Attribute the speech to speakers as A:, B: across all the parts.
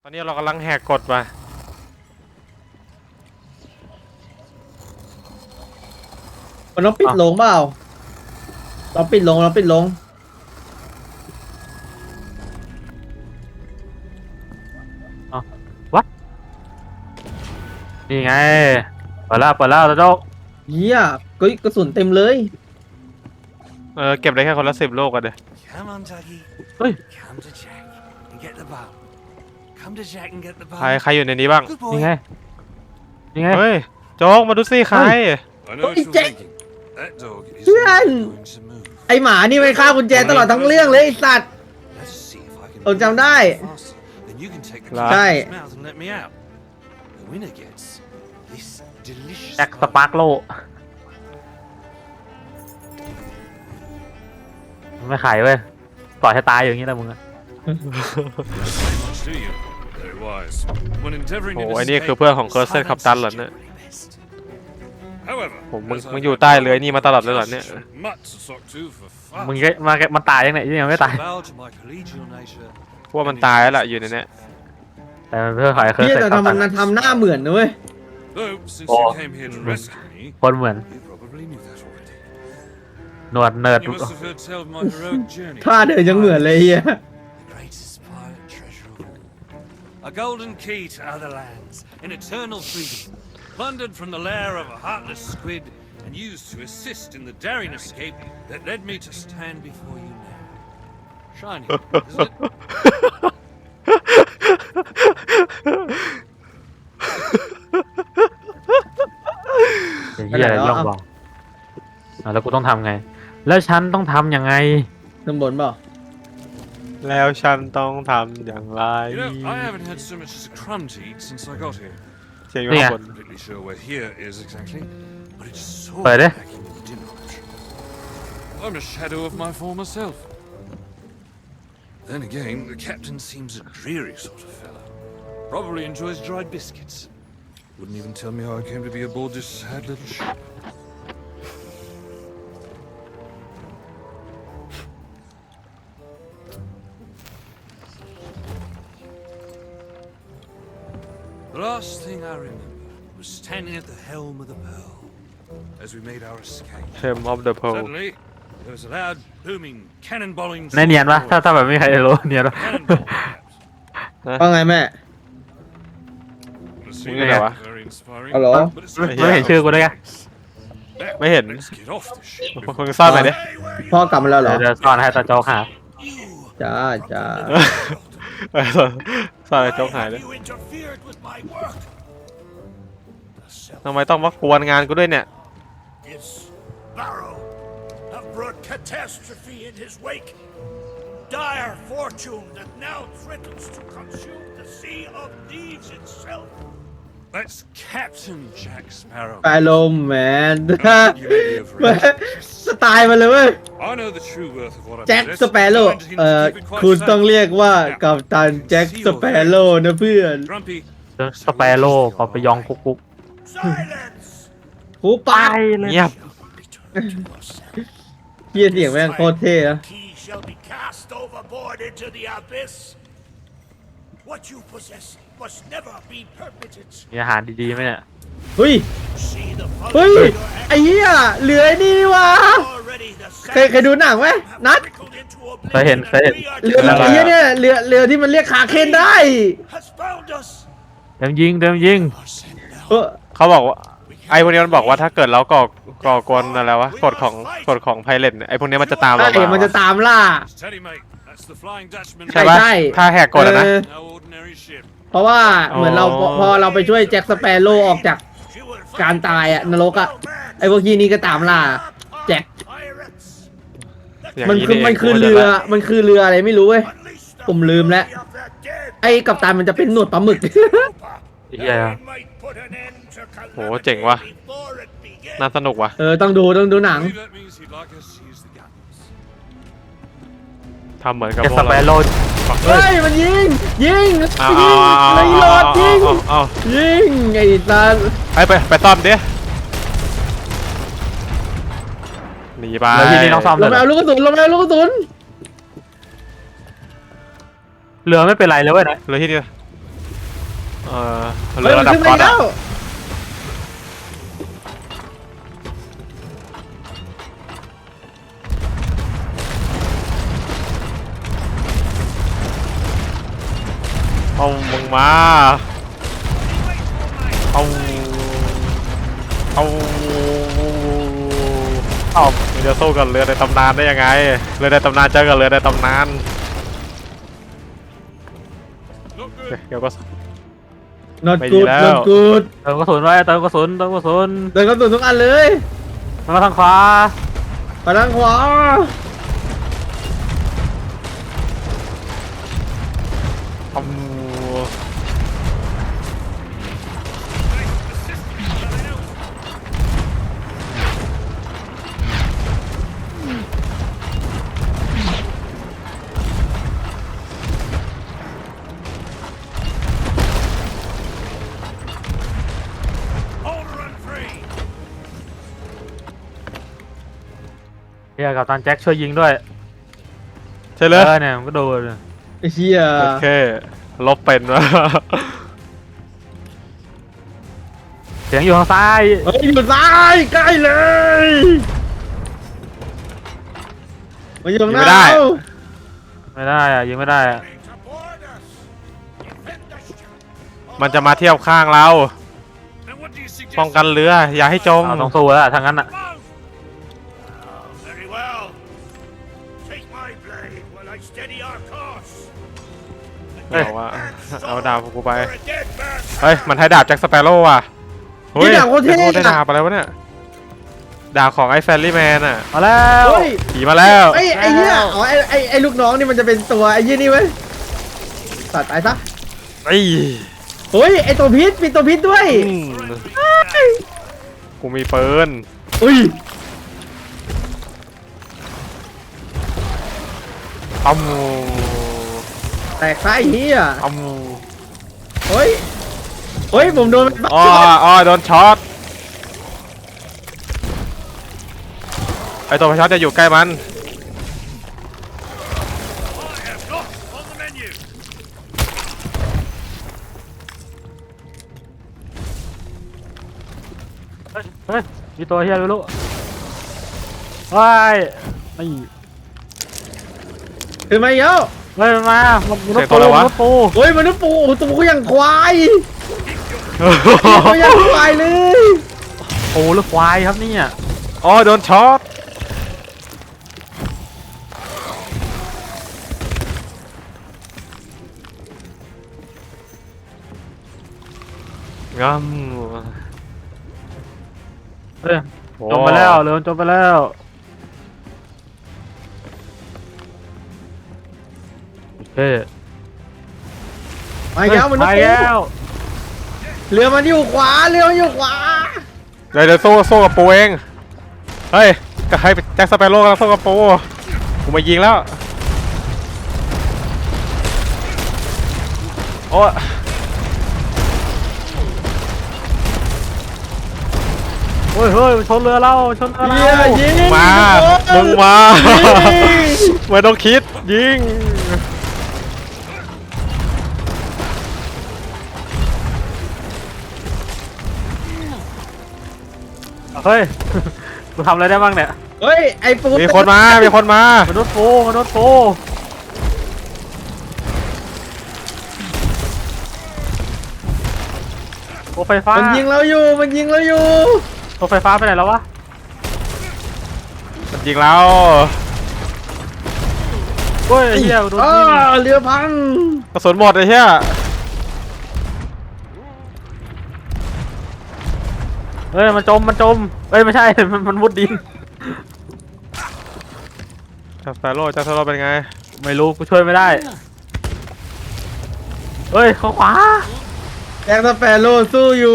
A: ตอนนี้เรากำลังแหกกฎมา
B: มันต้องปิดลงเปล่าเราปิดลง
C: วัดนี่ไงเปิดแล้วตาโจ๊ก
B: เฮียกระสุนเต็มเลย
A: เก็บได้แค่คนละ10 โลกันเด้อ
C: เฮ้ย
A: ใครอยู่ในนี้บ้าง
C: นี่ไง
A: เฮ้ยโจ๊กมาดูสิใคร
B: แจ็คเพื่อนไอหมานี่ไม่ฆ่ากุญแจตลอดทั้งเรื่องเลยไอสัตว์ผมจำได้ใช่
C: แจ็คสปาร์กโลไม่ขายเว้ยปล่อยให้ตายอย่างนี้แหละมึงอะ
A: โอ้ไอ้นี่คือเพื่อนของเคอร์เซนคัปตันเหรอเนี่ยผมมึงอยู่ใต้เรือนี่มาตลอดเลยเหรอเนี่ย
C: มึงก็มันตายยังไงยังไม่ตาย
A: พวกมันตายแล้วล่ะอยู่ในนี้
C: แต่มันเพื่อขายเคย
B: เฮีย
C: เสร็จ
B: แต่
C: ครับ
B: มันทำหน้าเหมือนนะเว้ย
C: คนเหมือนหนวดเนิร์ด
B: ท่าเดินยังเหมือนเลยเฮีย
D: A golden key to other lands, in eternal freedom, plundered from the lair of a heartless squid, and used to assist in the daring escape that led me to stand before you now. Shiny, isn't it?
C: เฮียอะไรย่องบอกแล้วกูต้องทำไง แล้วฉันต้องทำยังไง
B: ข้างบนเปล่า
A: แล้วฉันต้องทำอย่างไร
D: You know, I haven't had so much as a crumb to eat since I got here.
A: เสียงอยู่ข้างบน
D: Not completely sure where here is exactly, but it's so
C: Where there?
D: lacking in the dinner option. I'm a shadow of my former self. Then again, the captain seems a dreary sort of fellow. Probably enjoys dried biscuits. Wouldn't even tell me how I came to be aboard this sad little ship. The last thing I remember was standing at the helm of the Pearl as we made our escape.
A: เทมออฟเดอะเพล
D: Suddenly, there was a loud, booming, cannonballing.
C: ในเนียนปะถ้าแบบไม่มีใครรู้เนียนปะ
D: Cannonball, perhaps.
B: ว่าไงแม่
D: The scene
A: Nghe
D: was
A: hả?
D: very inspiring,
B: Alo?
D: but it's
C: ไม่เห็นชื่อกูได้ไง
D: Now,
A: ไม่เห็น
D: let's get off this ship
A: มึงซ่อนไปดิ
B: พ่อกลับมาแล้วเหรอ
C: เดี๋ยวซ่อนให้ตาโจ๊กหา
B: จ้า
A: ซ่อนไอ้โจ๊กหายเลย
D: You interfered with my work.
A: ทำไมต้องมากวนงานกูด้วยเนี่ย
E: This Barrow have brought catastrophe in his wake. Dire fortune that now threatens to consume the Sea of Thieves itself.
D: That's Captain Jack Sparrow.
B: แปลลมแมนสไตล์มันเลยเว้ย
D: I know the true worth of what I
B: แจ็ค
D: possess,
B: สเปโร่
D: and I intend to keep it quite
B: คุณต้อง
D: safe.
B: เรียกว่ากัปตันแจ็คสเปโร่นะเพื่อน
D: Grumpy,
C: สเปโร่พอไปยองกุ๊ก
E: Silence!
B: หูปาก
C: เลย
A: เงียบ
E: Return to us.
B: เฮียเสียงแม่งโคตรเท่อะ
E: Key shall be cast overboard into the abyss. What you possess must never be permitted.
C: มีอาหารดีๆไหมเนี่ย
B: เฮ้ย
E: See the
B: เฮ้ย
E: folly of your
B: ไอ้เหี้ยเหลือไอ้นี่นี่วะ
E: already the
B: เคยดูหนังไหมนัด
E: trickled into
C: เคยเห็น
E: oblivion, and we are
B: เรือ
A: อะไร
B: ไอ้
A: อะ
B: เหี้ยเนี่ยเรือที่มันเรียกขาเคนได้
E: has found us.
C: เต็มยิง
E: Are sent now.
B: เออ
A: เขาบอกว่าไอ้พวกนี้มันบอกว่าถ้าเกิดเราก่อกวนอะไรวะกฎของไพเรตไอ้พวกนี้มันจะตามเรา
B: ใช่มันจะตามล่า
D: steady mate. That's the Flying Dutchman.
A: ใช่ปะ
B: ใช่
A: ถ้าแหกกฎอะนะ
D: No ordinary ship.
B: เพราะว่าเหมือนเรา
A: อ๋อ
B: พอเราไปช่วยแจ็คสเปโร่ออกจาก
E: You will find
B: การตายอะนรกอะ
E: no man.
B: ไอ้พวกที่นี่ก็ตามล่า แจ็ค
E: Pirates.
A: อย่าง
B: มัน
A: นี้
B: คือ
A: นี่
B: มันคือ
A: กู
B: เรือ
A: จะ
B: มันคือเรืออะไรไม่รู้เว้ย
E: Unleash the
B: ผมลืมแล้ว
E: fury of the dead.
B: ไอ้กัปตันมันจะเป็นหนวดปลาหมึก
C: เหี้ย
E: That we might put an end to
A: โหเจ๋งว่ะ
E: calamity before it begins.
A: น่าสนุกว่ะ
B: ต้องดูหนัง
D: I believe that means he'd like us to use the guns.
A: ทำเหมือนกับ
C: แจ็ค
A: พว
C: ส
A: ก
C: เป
A: เรา
C: โร่
B: เฮ้ยมันยิงยิง
A: เอา
B: เลยโหลดยิง
A: เอา
B: ยิงไอ้สัส
A: ไปซ่อมดิหนีไป
C: แล้วที่นี่ต้องซ่อม
B: ล
C: เล
B: ง
C: ย
B: ไปเอาลูกกระสุนลงไปเอาลูกกระสุน
C: เรือไม่เป็นไรเลยเว้ยนะ
A: เลยที่นี่เรือระดับ
B: ขึ้น
A: ก๊
B: มา
A: อต
B: แล้
A: อะ
B: ว
A: เอามึงมาเอามึงจะสู้กับเรือในตำนานได้ยังไงเรือในตำนานเจอกับเรือในตำนานเดี๋ยวก็
B: not
A: ไม่ดี
B: good
A: แล้ว
B: not good
C: เติมกระสุนไว้เติมกระสุนเติมกระสุน
B: เดินกระสุนทุกอันเลย
C: มันมาทางขวา
B: ไปทางขวา
A: เอา
C: เฮียกับตันแจ็คช่วยยิงด้วย
A: ใช่เลย
C: เนี่ยมันก็โดน
B: ไอ้เหี้ย
A: โอเคลบเป็นวะ
C: เสียงอยู่ทางซ้าย
B: เฮ้ยอยู่ซ้ายใกล้เลยมาอยู่ตรงหน้าเรา
C: ไม่ได้อะยิงไม่ได้อะ
A: มันจะมาเทียบข้างเรา
D: And what do you suggest?
A: ป้องกันเรืออย่าให้จม
C: เอาต้องสู้แล้วทางนั้นอะ
E: Very well. Take my blade while I steady our course.
A: เอาว่าเอาดาบกูไป
E: For a dead man's
A: เฮ้ย มันให้ดาบแจ็คสเปโร่ว่ะ เฮ้ย
B: นี่ดาบโคตรเท่
A: โอ้ได้
B: อะ
A: ดาบอะไรวะเนี่ย ดาบของไอ้แฟรรี่แมนอ่ะ
C: มาแล้ว
B: เฮ้ย
A: ผีมาแล้ว
B: ไอ้เหี้ยอ๋อไอ้ลูกน้องนี่มันจะเป็นตัวไอ้ยี่นี่เว้ยตัดตายซะ
A: ไอ้ย
B: เฮ้ยไอ้ตัวพิษมีตัวพิษด้วย
A: อืมกูมีปืน
B: อุ้ย
A: อ้ำ
B: แตกซะไอ้เหี้ย
A: อ้ำ
B: เฮ้ยเฮ้ยผมโดนมัน
A: อ้อโดนช็อต ไอตัวช็อตจะอยู่ใกล้มัน
D: I have got on the menu.
C: เฮ้ยมีตัวเฮียไม่รู้ว้ายไม่
B: ขึ้นมาอีกแล้ว
C: เฮ้ยมันมามัน
A: เสียงตัวอะไรวะ
C: มนุษย์ปู
B: เฮ้ยมนุษย์ปูโอ้โหตัวกูอย่างควายตัวอย่างควายเลย
C: ปูหรือควายครับเนี่ย
A: อ๋อโดนช็อตงั้ม
C: เฮ้ยจมไปแล้วเรือมันจมไปแล้วโอเค
B: มาอีกแล้วมนุษย์
C: ไป
B: ปู
C: แล้ว
B: เรือมันอยู่ขวาเรือมันอยู่ขวา
A: เดี๋ยวสู้กับปูเอง เฮ้ยก็ให้แจ็คสเปโร่กำลังสู้กับปูกูมายิงแล้ว โอ้
C: เฮ้ยเฮ้ยชนเรือเราชนเรือ
B: เหี้ย
C: เรา
B: ยิง
A: มามึงมา
B: ยิง
A: ไม่ต้องคิดยิง
C: เฮ้ย กูทำอะไรได้บ้างเนี่ย
B: เฮ้ยไอ้ปู
A: มีคนมา มีคนมา
C: มนุษย์ปูมนุษย์ปูโอ้ไฟฟ้า
B: มันยิงเราอยู่มันยิงเราอยู่
C: ตัวไฟฟ้าไปไหนแล้ววะ
A: มันยิงแล้ว
C: เฮ้ยเฮียโดน
B: อ้า
C: ยิง
B: เรือพัง
A: กระสุนหมดเลยเฮีย
C: เฮ้ยมันจมเฮ้ยไม่ใช่ มันมุดดิน
A: แจ็คสเปโร่เป็นไง
C: ไม่รู้กูช่วยไม่ได้ เฮ้ยเข้าขวา
B: แจ็คสเปโร่สู้อยู่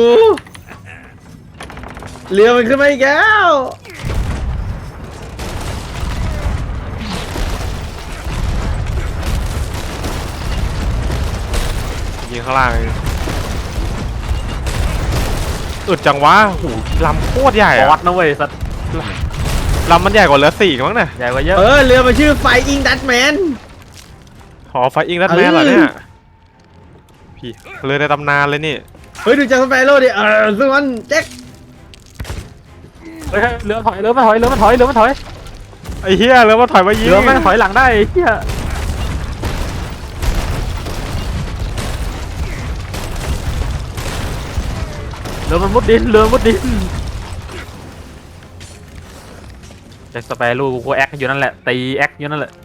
B: เรือมันขึ้นมาอีกแล้ว
A: ยิงข้างล่างอึดจังวะโหลำโคตรใหญ่
C: วั
A: อะ
C: ดนะเว้ยสัตว์
A: ลำมันใหญ่กว่าเรือสี่มั้งเนี่ย
C: ใหญ่กว่าเยอะ
B: เรือมันชื่อไฟอิงดัตแมน
A: หอไฟอิงรัดแมนเหรอเนี่ย ผีหี้ยเรือในตำนานเลยนี่
B: เฮ้ยดูจากสเปโร่ดิซึ่งมันแจ็ค
C: เฮ้ยเรือถอยเรือมันถอยเรือมันถอยเรือมันถอย
A: ไอ้เหี้ยเรือมาถอยมายิง
C: เรือมันถอยหลังได้ไอ้เหี้ยเรือมันมุดดินเรือมุดดินแจ็คสเปโร่กูแอคอยู่นั่นแหละตีแอคอยู่นั่นแหละ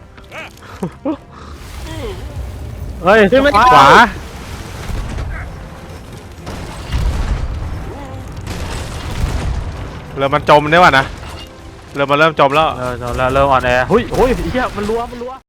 C: เฮ้ย
B: ขึ้นมา
A: ขวาเรือมันจมได้ว่ะนะเรือมันเริ่มจมแล้ว
C: เริ่มอ่อนแอเฮ้ยไอ้เหี้ยมันรัว